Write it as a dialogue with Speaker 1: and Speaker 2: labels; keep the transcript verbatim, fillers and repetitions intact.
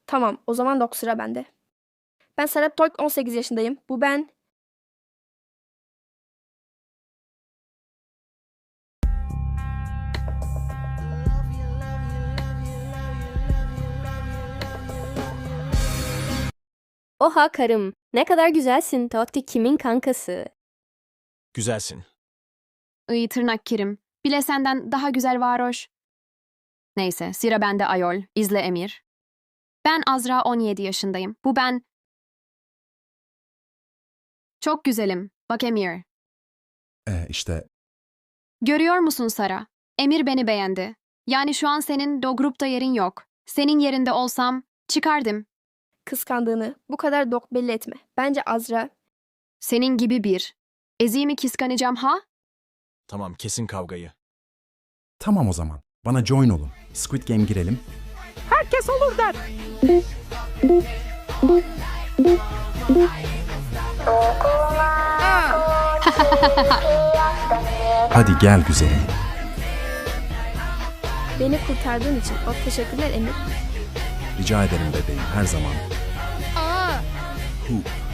Speaker 1: Tamam, o zaman dok sıra bende. Ben Serap Toyk, on sekiz yaşındayım. Bu ben...
Speaker 2: Oha karım, ne kadar güzelsin. Totti kimin kankası?
Speaker 3: Güzelsin.
Speaker 4: İyi tırnak kirim. Bile senden daha güzel varoş. Neyse, sıra bende ayol. İzle Emir. Ben Azra, on yedi yaşındayım. Bu ben... Çok güzelim. Bak Emir.
Speaker 5: Ee, işte
Speaker 4: Görüyor musun Sara? Emir beni beğendi. Yani şu an senin o grupta yerin yok. Senin yerinde olsam çıkardım.
Speaker 1: Kıskandığını bu kadar dok belli etme. Bence Azra...
Speaker 4: Senin gibi bir. Eziğimi kıskanacağım ha?
Speaker 3: Tamam, kesin kavgayı.
Speaker 5: tamam o zaman. Bana join olun. Squid Game girelim.
Speaker 6: Herkes olur der.
Speaker 5: Hadi gel güzelim.
Speaker 1: Beni kurtardığın için çok teşekkürler Emir.
Speaker 5: Rica ederim bebeğim her zaman. Hu.